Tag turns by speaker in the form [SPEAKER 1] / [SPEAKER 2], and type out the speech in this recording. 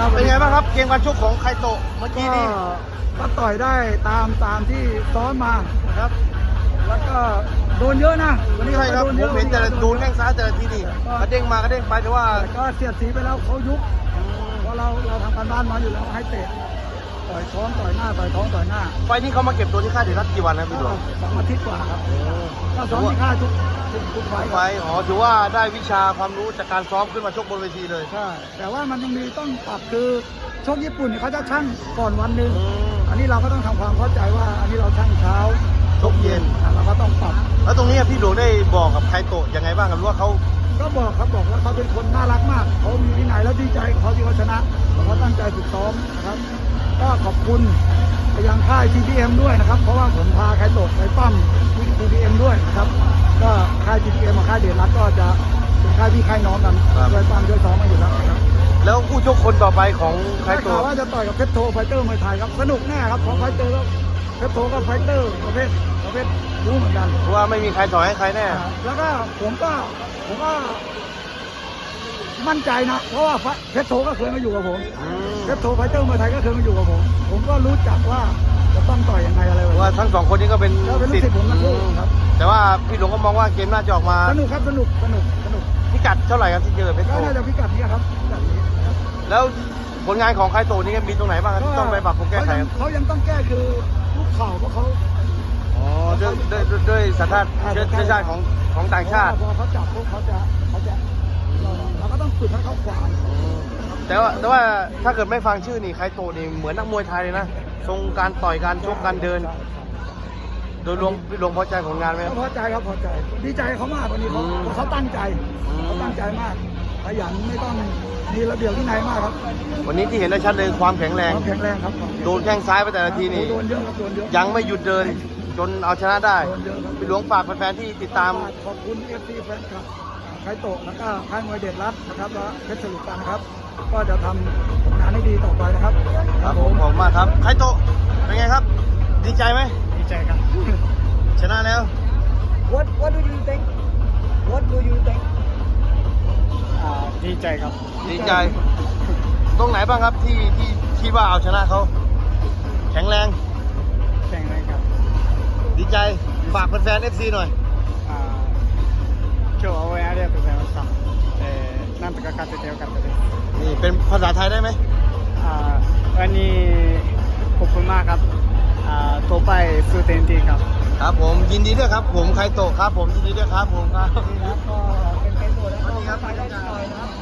[SPEAKER 1] เป็นไงบ้างครับเกมการชกของไคโตะเมื่อกี้นี่
[SPEAKER 2] ก็ต่อยได้ตามที่ซ้อมมานะครับแล้วก็โดนเยอะนะวันนี้
[SPEAKER 1] ใช่ครับ
[SPEAKER 2] โดน
[SPEAKER 1] ผ
[SPEAKER 2] เย
[SPEAKER 1] ม
[SPEAKER 2] อะ
[SPEAKER 1] เห็นแต่โดนแข้งซ้ายแต่ละทีนี่กระเด้งมากระเด้งไปแต่ว่า
[SPEAKER 2] แต่ก็เสียดสีไปแล้วเขายุบเพราะเราทำการบ้านมาอยู่แล้วให้เตะต่อยท้องต่อยหน้าต่อยท้องต่อยหน้า
[SPEAKER 1] ไฟล์นี้เขามาเก็บตัวที่ค่ายเดชรัตน์กี่วันนะพี่หลวง
[SPEAKER 2] 2 อาทิตย์กว่าครับก็ซ้อมที่ค่ายทุกไฟล์
[SPEAKER 1] ไฟล์อ๋อถือว่าได้วิชาความรู้จากการซ้อมขึ้นมาชกบนเวทีเลย
[SPEAKER 2] ใช่แต่ว่ามันยังมีต้องปรับคือชกญี่ปุ่นเนี่ยเขาจะชั่งก่อนวันหนึ่งอันนี้เราก็ต้องทำความเข้าใจว่าอันนี้เราชั่งเช้า
[SPEAKER 1] ชกเย็น
[SPEAKER 2] เราก็ต้องปรับ
[SPEAKER 1] แล้วตรงนี้พี่หลวงได้บอกกับไคโตะยังไงบ้างครับหรือว่าเขา
[SPEAKER 2] ก็บอกว่าเขาเป็นคนน่ารักมากเขามีวินัยแล้วดีใจเขาที่เขาชนะเขาตั้งใจฝึกซ้อมนะครับก็ขอบคุณไปยังค่าย TPM ด้วยนะครับเพราะว่าผมพาไคโตะไปปั้มที่ TPM ด้วยนะครับก็ค่าย TPM กับค่ายเดชรัตน์ก็จะเป็นค่ายพี่ค่ายน้องกันช่วยปั้มช่วยซ้อมมาอยู่แล้วนะครับ
[SPEAKER 1] แล้วคู่ชกคนต่อไปของไค
[SPEAKER 2] ได้ข่าว
[SPEAKER 1] โตะ
[SPEAKER 2] ว่าจะต่อยกับเพชรโทไฟเตอร์มวยไทยครับสนุกแน่ครับเพราะไฟเตอร์แล้วเพชรโทก็ไฟเตอร์ประเภทรู้เหมือนกัน
[SPEAKER 1] เพราะว่าไม่มีใครถอยให้ใครแน่
[SPEAKER 2] แล้วก็ผมก็มั่นใจนะเพราะว่าเพชรโทก็เคยมาอยู่กับผมเพชรโทไฟเตอร์มวยไทยก็เคยมาอยู่กับผมก็รู้จักว่าจะต้องต่อยยังไงอะไรแบบ
[SPEAKER 1] ว่า
[SPEAKER 2] นี้
[SPEAKER 1] ทั้งสองคนนี้ก็เป็น
[SPEAKER 2] ก็เป็นลูกศิษย์ผมทั้งคู่ครับ
[SPEAKER 1] แต่ว่าพี่หลวงก็มองว่าเกมน่าจะออกมา
[SPEAKER 2] สนุกครับสนุก
[SPEAKER 1] พิกัดเท่าไหร่ครับที่เจอเพชร
[SPEAKER 2] ก็
[SPEAKER 1] โต
[SPEAKER 2] น่าจะพิกัดนี้ครับพิกัดนี้ครับ
[SPEAKER 1] แล้วผลงานของไคโตะนี่มีตรงไหนบ้างครับที่ต้องไปปรับปรุงแก้ไขครับ
[SPEAKER 2] เขายังต้องแก้คือลูกเข่าเพราะเขา
[SPEAKER 1] อ๋อด้วยสัญชาติของต่างชาติ
[SPEAKER 2] พอเขาจับพวกเขาจะเราก็ต้องฝึกให้เขาขวาง
[SPEAKER 1] แต่ว่าถ้าเกิดไม่ฟังชื่อนี่ไคโตะนี่เหมือนนักมวยไทยเลยนะทรงการต่อยการชกการเดิน โดยรวมพี่หลวงพอใจผลงานไหมครับ
[SPEAKER 2] พอใจครับพอใจดีใจเขามากวันนี้เขาตั้งใจเขาตั้งใจมากขยันไม่ต้องมีระเบียบวินัยมากครับ
[SPEAKER 1] วันนี้ที่เห็นได้ชัดเลยความแข็งแรง
[SPEAKER 2] ความแข็งแรงครับ
[SPEAKER 1] โดนแข้งซ้ายไปแต่ละทีนี่
[SPEAKER 2] โดนเยอะครับโดนเยอะ
[SPEAKER 1] ยังไม่หยุดเดินจนเอาชนะได้
[SPEAKER 2] โดนเยอะครับ
[SPEAKER 1] พี่หลวงฝากแฟนๆที่ติดตาม
[SPEAKER 2] ขอบคุณ FC แฟนคลับไคโตะแล้วก็ค่ายมวยเดชรัตน์นะครับและเพชรสลุกันนะครับ ก็จะทำผลงานให้ดีต่อไปนะครับ
[SPEAKER 1] ครับผมขอบคุณมากครับไคโตะเป็นไงครับ ดีใจไหม
[SPEAKER 2] ดีใจครับ
[SPEAKER 1] ชนะแล้ว
[SPEAKER 2] What do you think What do you think ดีใจครับ
[SPEAKER 1] ดีใจ ตรงไหนบ้างครับที่คิดว่าเอาชนะเขาแข็งแรง
[SPEAKER 2] แข่งอะไรครับ
[SPEAKER 1] ดีใจฝากแฟนๆ FC หน่อย
[SPEAKER 2] 今日は応援ありがとうございました。なんとか勝ててよかったです。
[SPEAKER 1] นี่เป็นภาษาไทยได้ไหม
[SPEAKER 2] วันนี้ขอบคุณมากครับต่อไปสู้เต็มที่ครับ
[SPEAKER 1] ครับผมยินดีด้วยครับผมไคโตะครับผมยินดีด้วยครับผมครับ
[SPEAKER 2] ก็เป็นตัวแล้ว
[SPEAKER 1] สวัสดีครับ
[SPEAKER 2] ไปได้ต่อยนะครับ